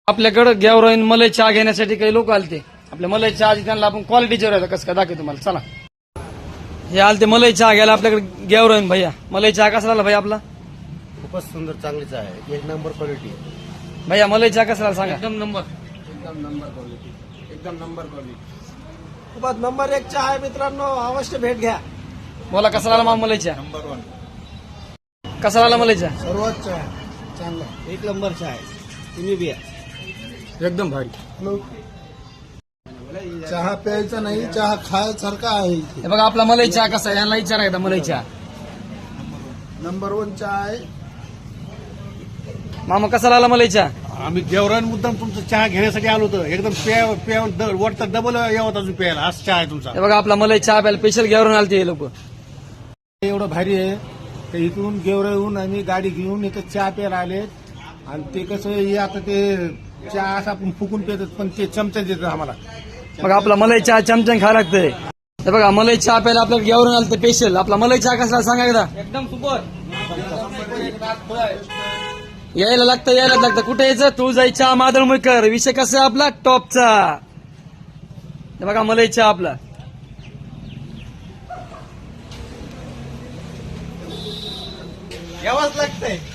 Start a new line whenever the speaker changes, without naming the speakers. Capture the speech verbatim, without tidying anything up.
आपल्याकडे गॅवराईन मलाई चहा घेण्यासाठी काही लोक आलते. आपल्या मलाई चहा त्यांना आपण क्वालिटीचे राहतं कसं काय दाखवतो तुम्हाला. चला हे आलते मलाई चहा घ्यायला आपल्याकडे गॅवराईन भैया. मलाई चहा कसा झाला भैया आपला?
खूपच सुंदर चांगलीच आहे, एक नंबर क्वालिटी.
भैया मलाई चहा कसा झाला सांगा.
एकदम नंबर एकदम नंबर क्वालिटी एकदम नंबर क्वालिटी खूपच नंबर एक चहा आहे मित्रांनो, अवश्य भेट घ्या.
बोला कसा झाला मामा मलाई चहा?
Number one.
कसा झाला मलाई चहा?
सर्वात चहा चांगला, एक नंबर चहा आहे. तुम्ही बिया
एकदम भारी.
चहा प्यायचा नाही, चहा खायसारखा आहे.
हे बघा आपला मलाई चहा कसा आहे यांना विचारा एकदा. मलाई चहा
नंबर वन चहा आहे.
मामा कसा लागला मलाई चहा?
आम्ही गेवरान मुद्दाम तुमचा चहा घेण्यासाठी आलो होतो. एकदम प्या प्या वरता डबल यावं अजून प्यायला, असं चहा आहे तुमचा.
हे बघा आपला मलाई चहा प्यायला स्पेशल गॅवराईन आलते हे लोक.
एवढं भारी आहे तर इथून गेवरा येऊन आम्ही गाडी घेऊन इथं चहा प्यायला आले. आणि ते कसं हे आता ते चहा असं आपण फुकून पितात, पण ते चमचा देतात आम्हाला.
बघा आपला मलाई चहा चमचम खायला लागतंय. हे बघा मलाई चहा प्यायला आपल्याला गॅवराईन आलते स्पेशल. आपला मलाई चहा कसा सांगा एकदा.
एकदम सुपर.
यायला लागतं यायला लागतं. कुठे यायचं? तुळजाई चहा मादळमुळकर. विषय कसा आहे आपला? टॉपचा. हे बघा मलाई चहा आपला.
यावंच लागतंय.